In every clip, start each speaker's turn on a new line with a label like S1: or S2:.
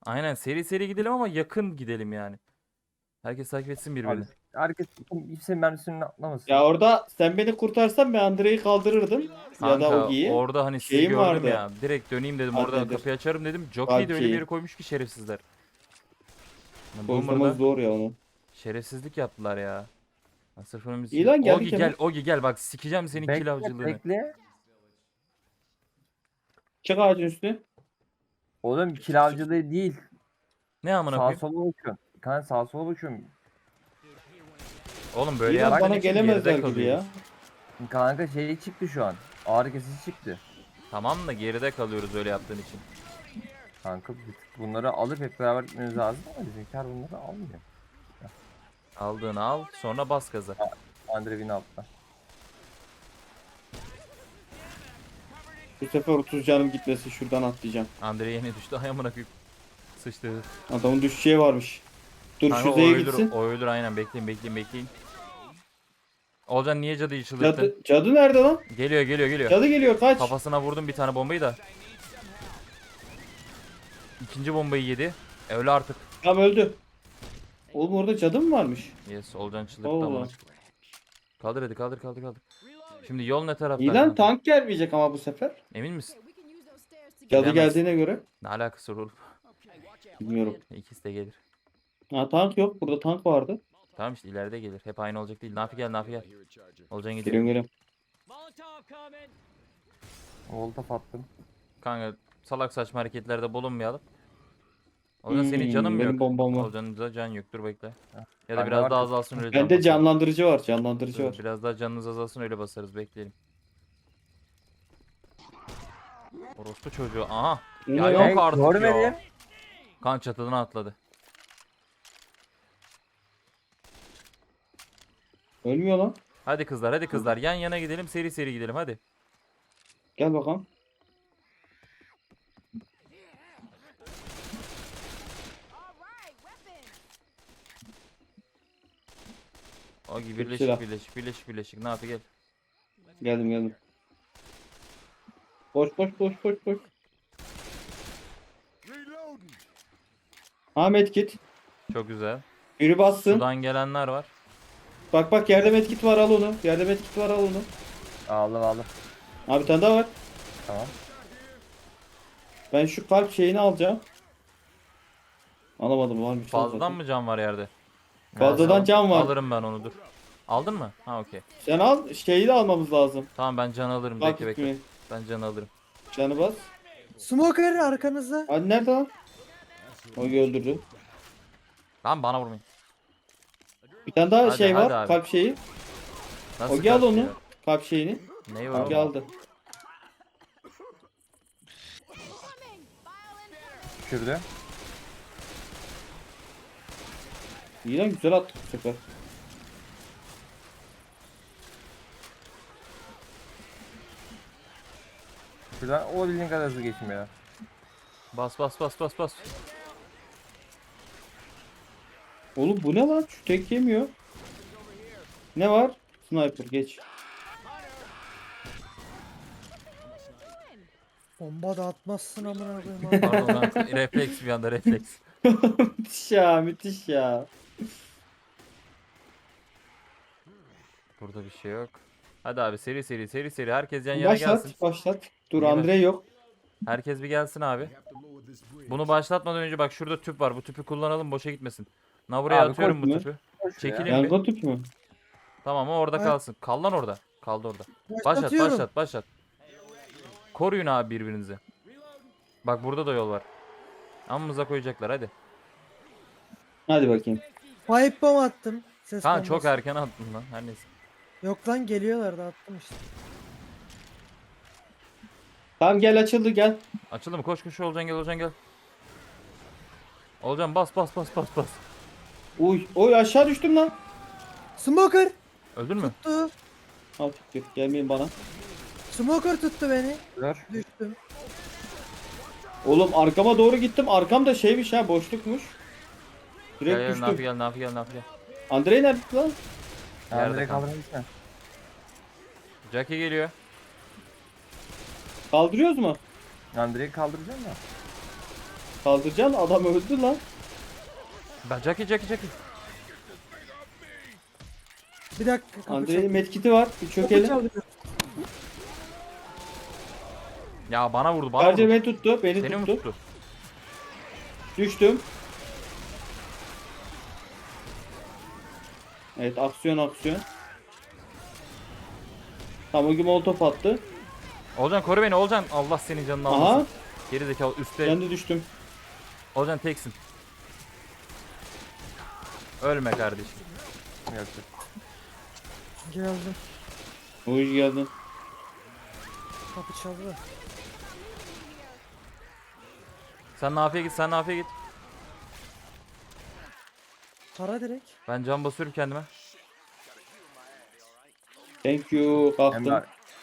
S1: Aynen seri seri gidelim ama yakın gidelim yani. Herkes takip etsin
S2: Abi
S1: birbirini.
S2: herkes kimsenin mermisini atlamasın.
S3: Ya orada sen beni kurtarsan ben Andrei'yi kaldırırdım. Ya da
S1: Kanka
S3: Ogi'yi.
S1: orada hani sizi
S3: Şeyim
S1: gördüm
S3: vardı.
S1: ya. Direkt döneyim dedim,
S3: Adı
S1: orada
S3: nedir?
S1: kapıyı açarım dedim. Jockey'i de öyle bir
S3: Valkyrie.
S1: yere koymuş ki şerefsizler.
S3: Boşlamamız
S1: Boomer'da
S3: zor ya onu.
S1: şerefsizlik yaptılar ya. Ha, sırf önümüz
S3: İyi
S1: için.
S3: lan, geldik
S1: Ogi gel,
S3: hemen.
S1: Ogi gel, bak sikeceğim senin kill
S2: Bekle
S1: avcılığını.
S2: bekle.
S3: Çık ağacın üstüne.
S2: Oğlum kill avcılığı değil.
S1: Ne amına
S2: Sağa
S1: koyayım?
S2: sola bakıyorum. Kanka sağa sola bakıyorum.
S1: Oğlum böyle
S3: İyi lan,
S1: yaptığın
S3: bana
S1: için
S3: gelemezler
S1: geride
S3: gibi
S1: kalıyoruz.
S2: ya. Kanka şey çıktı şu an. Ağrı kesici çıktı.
S1: Tamam da geride kalıyoruz öyle yaptığın için.
S2: Kanka bunları alıp hep beraber gitmeniz lazım ama bizimkiler bunları almıyor.
S1: Aldığını al, sonra bas gaza.
S2: Andrevin altta.
S3: Bu sefer 30 canım gitmesin, şuradan atlayacağım.
S1: Andre yeni düştü. Ay amına koyayım. Sıçtı.
S3: Adamın düşeceği varmış. Dur
S1: Kanka
S3: şu
S1: o
S3: Z'ye
S1: ölür,
S3: gitsin.
S1: o ölür aynen. Bekleyin. Olcan niye cadıyı çıldırttın?
S3: Cadı nerede lan?
S1: Geliyor.
S3: Cadı geliyor, kaç.
S1: Kafasına vurdum bir tane bombayı da. İkinci bombayı yedi. Öyle artık.
S3: Tam öldü. Oğlum orada cadı mı varmış?
S1: Yes, Olcan çıldırttı
S3: Allah.
S1: amına. Kaldır hadi, kaldır. Şimdi yol ne tarafta?
S3: İyi lan, tank gelmeyecek ama bu sefer.
S1: Emin misin?
S3: Cadı
S1: Gelemez.
S3: geldiğine göre.
S1: Ne alakası var oğlum?
S3: Bilmiyorum.
S1: İkisi de gelir.
S3: Ha, tank yok. Burada tank vardı.
S1: Tamam işte ileride gelir. Hep aynı olacak değil. Nafi gel. Olcan gidiyor.
S3: Geliyorum.
S2: Volta attım.
S1: Kanka salak saçma hareketlerde bulunmayalım. Olcan senin canın mı
S3: benim
S1: yok?
S3: bombam var.
S1: Olcan'ın da can yok. Dur bekle. Ya da
S2: Bende
S1: biraz
S2: var
S1: daha
S2: ki.
S1: azalsın öyle can
S3: Bende
S1: basalım.
S3: canlandırıcı var. Canlandırıcı
S1: Dur,
S3: var.
S1: biraz daha canınız azalsın öyle basarız, bekleyelim. Orospu çocuğu. Aha.
S3: Ne
S1: Ya
S3: lan?
S1: yok artık
S2: Görmedim.
S1: ya. Kan çatıdan atladı.
S3: Ölmüyor lan.
S1: Hadi kızlar yan yana gidelim, seri gidelim hadi.
S3: Gel bakalım.
S1: O gibi
S3: Çok silah.
S1: birleşik ne yapıyor, gel.
S3: Geldim. Koş. Ahmet git.
S1: Çok güzel.
S3: Biri bassın.
S1: Sudan gelenler var.
S3: Bak yerde medkit var, al onu. Yerde medkit var, al onu.
S2: Aldım.
S3: Abi bir tane daha var.
S2: Tamam.
S3: Ben şu kalp şeyini alacağım. Alamadım, varmış. lan
S1: Fazladan
S3: zaten.
S1: mı can var yerde?
S3: Fazladan can var.
S1: Alırım ben onu, dur. Aldın mı? Ha okey.
S3: Sen al, şeyi de almamız lazım.
S1: Tamam ben can alırım,
S3: Kalp
S1: bekle.
S3: gitmeyi.
S1: Ben can alırım.
S3: Canı bas.
S4: Smoker arkanızda.
S3: Hadi nerede lan? O öldürdü.
S1: Lan bana vurmayın.
S3: Bir tane daha
S1: Hadi,
S3: şey
S1: hadi
S3: var.
S1: abi.
S3: Kalp şeyi.
S1: Nasıl
S3: O gel
S1: kaçtı
S3: onu.
S1: ya?
S3: Kalp şeyini.
S1: Neyi var
S3: Ogi
S1: oğlum?
S3: aldı.
S2: Düşürdü.
S3: İyi lan, güzel attık bu sefer.
S2: Şuradan o bildiğin kadar hızlı geçmiyor ya.
S1: Bas.
S3: Oğlum bu ne lan? Şu tek yemiyor. Ne var? Sniper geç.
S4: Bomba da atmazsın amına koyayım. abi.
S1: Pardon ben refleks, bir anda refleks.
S3: Müthiş ya.
S1: Burada bir şey yok. Hadi abi seri herkes yan yana gelsin.
S3: Başlat. Dur,
S1: Niye
S3: Andre yok.
S1: Herkes bir gelsin abi. Bunu başlatmadan önce bak şurada tüp var. Bu tüpü kullanalım, boşa gitmesin. Na buraya
S2: Abi,
S1: atıyorum bu
S3: koşma.
S1: tüpü.
S2: Koş ya.
S1: Çekilin bir.
S3: Yangın tüpü mü?
S1: Tamam o orada
S4: Ay.
S1: kalsın. Kal lan orada. Kaldı orada.
S4: Başlatıyorum.
S1: Başlat. Koruyun abi birbirinizi. Bak burada da yol var. Amımıza koyacaklar hadi.
S3: Hadi bakayım.
S4: Pipe bomb attım. Ses
S1: Kaan
S4: bombası.
S1: çok erken attın lan. Her neyse.
S4: Yok lan geliyorlar da attım işte.
S3: Tamam gel, açıldı, gel.
S1: Açıldı mı? Koş Olcan gel. Olcan bas.
S3: Uy aşağı düştüm lan.
S4: Smoker
S1: Öldün mü?
S4: tuttu.
S3: Al fikir, gelmeyin bana.
S4: Smoker tuttu beni.
S2: Dur.
S4: Düştüm.
S3: Oğlum arkama doğru gittim. Arkamda şeymiş ha, boşlukmuş. Direkt
S1: Gel
S3: düştüm.
S1: Nafi gel.
S3: Andrei nerede lan?
S1: Yerde
S2: Andre
S1: kanka.
S2: kaldırın gitme.
S1: Jackie geliyor.
S3: Kaldırıyoruz mu?
S2: Andre'yi kaldıracağım da.
S3: Kaldıracaksın, adam öldü lan.
S1: Ben Jackie.
S4: Bir dakika kapı
S3: Andrei'nin
S4: çalıyor.
S3: medkiti var. Bir
S4: Kapı
S3: çökelim.
S4: çalıyor.
S1: Ya bana vurdu bana
S3: Sadece
S1: vurdu.
S3: beni tuttu. Beni
S1: Seni mi
S3: tuttu.
S1: tuttu?
S3: Düştüm. Evet, aksiyon. Tamam, o gibi molotof attı.
S1: Olcan koru beni Olcan. Allah senin canını
S3: Aha.
S1: almasın. Geri zekalı üstte.
S3: Ben de düştüm.
S1: Olcan teksin. Ölme kardeşim.
S2: Yok yok.
S4: Geldim.
S3: Hoş geldin.
S4: Kapı çaldı.
S1: Sen Nafi'ye git.
S4: Tara direkt.
S1: Ben can basıyorum kendime.
S3: Thank you. Kalktım.
S2: Emre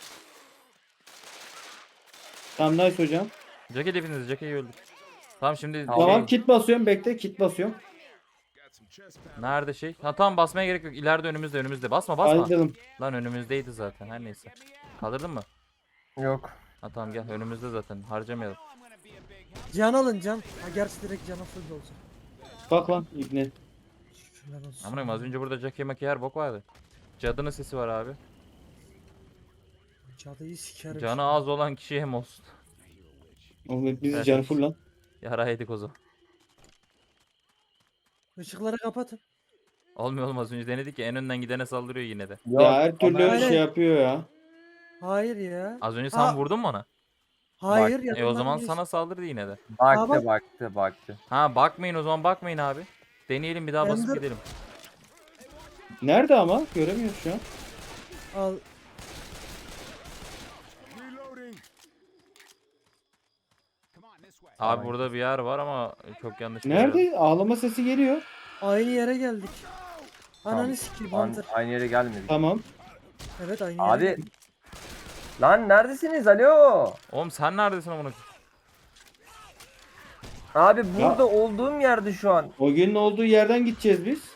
S3: Tamam, nice hocam.
S1: Jackie hepiniz Jackie'yi öldür. Tamam şimdi
S3: Tamam,
S1: şey,
S3: kit basıyorum. Bekle, kit basıyorum.
S1: nerede şey? Ha tamam basmaya gerek yok. İleride önümüzde. Basma.
S3: Ayrıldım.
S1: Lan önümüzdeydi zaten her neyse. Kaldırdın mı?
S2: yok.
S1: Ha tamam gel önümüzde zaten harcamayalım.
S4: Can alın can. Ha gerçi direkt cana full olacak.
S3: Bak lan İbni.
S4: Şükürler olsun.
S1: Amınayım az önce burada Jackie Maki her bok vardı. Cadının sesi var abi.
S4: Cadıyı sikerim.
S1: Canı az olan kişi hem olsun.
S3: Oğlum hepimizi
S1: Evet.
S3: canı full lan.
S1: Yara yedik o zaman.
S4: Işıkları kapatın.
S1: Olmuyor az önce denedik ya en önden gidene saldırıyor yine de.
S2: Yok.
S3: Ya her türlü
S2: ama-
S4: Aynen.
S3: şey yapıyor ya.
S4: Hayır ya.
S1: Az önce sen
S4: Ha.
S1: vurdun mu ona?
S4: Hayır
S2: Bak,
S4: ya.
S1: O zaman sana saldırdı yine de.
S2: Baktı
S4: bak.
S2: baktı.
S1: Ha bakmayın o zaman bakmayın abi. Deneyelim bir daha basıp
S4: Ender-
S1: gidelim.
S3: Nerede ama? Göremiyoruz şu an.
S4: Al.
S1: Abi
S2: Tamam.
S1: burada bir yer var ama çok yanlış bir yer.
S3: Nerede? Ağlama sesi geliyor.
S4: Aynı yere geldik. Ananı
S2: Tamam.
S4: sikeyim Hunter.
S2: Aynı yere gelmedik.
S3: Tamam.
S4: Evet aynı yere
S2: Abi.
S4: geldik.
S2: Lan neredesiniz? Alo.
S1: Oğlum sen neredesin amına?
S2: Abi burada olduğum yerde şu an.
S3: O günün olduğu yerden gideceğiz biz.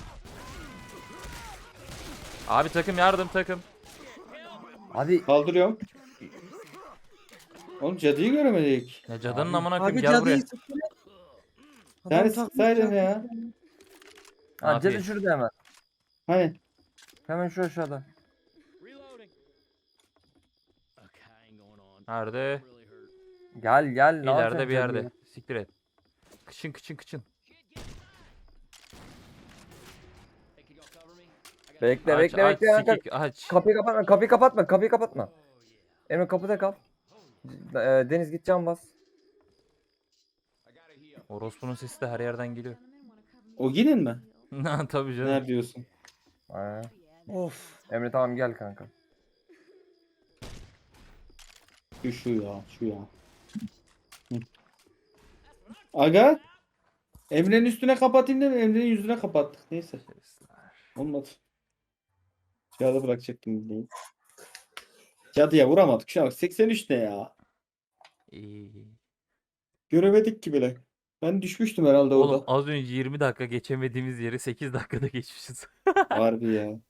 S1: Abi takım yardım takım.
S2: Abi
S3: Kaldırıyorum. Oğlum cadıyı göremedik.
S1: Ya cadının
S2: Abi-
S1: amına koyayım
S4: Abi
S1: gel buraya.
S4: cadıyı sıkıyor. Adam
S3: Yani
S4: takmış
S3: sıksaydın
S4: cadıyı.
S3: ya.
S2: ha,
S1: Abi.
S2: cadı şurada hemen.
S3: Hani?
S2: Hemen şu aşağıda.
S1: Nerede?
S2: Gel ne
S1: İleride
S2: yapacaksın
S1: bir yerde.
S2: cadıyı?
S1: Siktir et. Kıçın.
S2: Bekle
S1: Aç,
S2: bekle
S1: aç,
S2: bekle.
S1: sikik, aç.
S2: Kapıyı kapatma. Emre kapıda kal. Deniz git cam bas.
S1: Orospu'nun sesi de her yerden geliyor.
S3: O günün mi?
S1: Tabii canım.
S3: Nerede diyorsun?
S2: Ha.
S4: Of.
S2: Emre tamam gel kanka.
S3: Şu ya. Hı. Aga. Emre'nin üstüne kapatayım değil mi? Emre'nin yüzüne kapattık. Neyse. Olmadı. Cadı bırakacaktım bildiğin. Cadıya vuramadık. Şu an 83 ne ya?
S1: İyi.
S3: Göremedik ki bile. Ben düşmüştüm herhalde
S1: Oğlum
S3: orada.
S1: az önce 20 dakika geçemediğimiz yeri 8 dakikada geçmişiz.
S3: Harbi ya.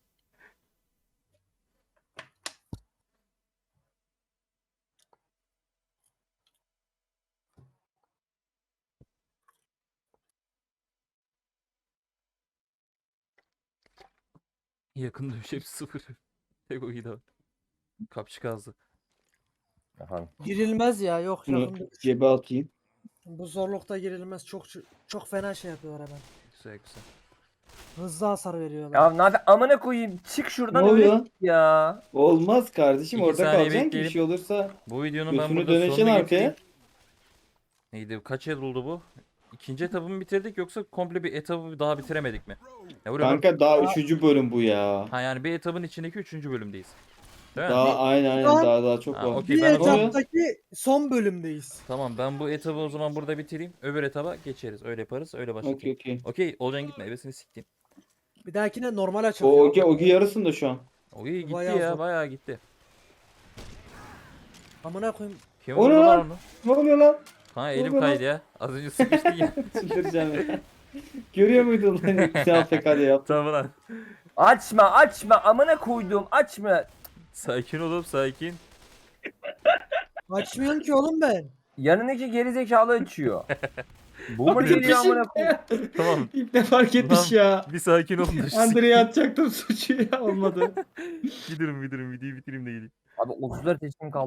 S1: Yakın dövüş hepsi 0. Tek o gidi. Kapçı kazdı.
S2: Efendim.
S4: Girilmez ya yok
S3: Bunu
S4: yakında.
S3: cebe atayım.
S4: Bu zorlukta girilmez. Çok fena şey yapıyorlar hemen.
S1: Güzel.
S4: Hızlı hasar veriyorlar.
S2: Ya Nafi amına koyayım. Çık şuradan
S3: Ne
S2: öyle
S3: oluyor?
S2: git ya.
S3: Olmaz kardeşim,
S1: 2
S3: orada
S1: saniye
S3: kalacaksın ki bir
S1: bekleyelim.
S3: şey olursa.
S1: Bu videonun ben
S3: Götünü
S1: burada
S3: döneceksin
S1: sonuna
S3: arkaya.
S1: getireyim. Neydi? Kaç el oldu bu? İkinci etabı mı bitirdik yoksa komple bir etabı daha bitiremedik mi? Ya buraya bak-
S3: Kanka daha 3. bölüm bu ya.
S1: Ha yani bir etabın içindeki 3. bölümdeyiz. Değil mi?
S3: Daha aynen
S4: Şu an-
S3: daha çok
S1: Ha,
S3: var.
S1: okey.
S4: Bir
S1: ben o zaman-
S4: etaptaki son bölümdeyiz.
S1: Tamam ben bu etabı o zaman burada bitireyim. Öbür etaba geçeriz. Öyle yaparız. Öyle
S3: Okey
S1: başlayalım.
S3: okey.
S1: Okey. Olcan gitme. Ebesini siktim.
S4: Bir dahakine normal açalım.
S3: O Ogi yarısında şu an.
S1: O iyi gitti
S4: Bayağı
S1: ya.
S4: zor.
S1: Bayağı gitti.
S4: Amına koyayım.
S1: Kim
S3: O
S1: vurdu
S3: ne
S1: lan
S3: lan?
S1: onu?
S3: Ne oluyor lan?
S1: Ha elim
S3: Vurdu lan.
S1: kaydı ya. Az önce sıkıştı ya.
S3: Çıldıracağım ya. Görüyor muydun lan? Sen PK'da yaptın.
S1: Tamam lan.
S2: Açma amına koyduğum açma.
S1: Sakin olup sakin.
S4: Açmıyorum ki oğlum ben.
S2: yanındaki gerizekalı açıyor. Boomer
S1: Abi,
S2: geliyor amına koyayım.
S1: Tamam.
S3: İlk ne fark etmiş ya.
S1: Bir sakin olun da şu
S3: Andre'ye atacaktım suçu ya olmadı.
S1: gidiyorum videoyu bitireyim de geleyim.
S2: Abi 34 yaşım kaldı.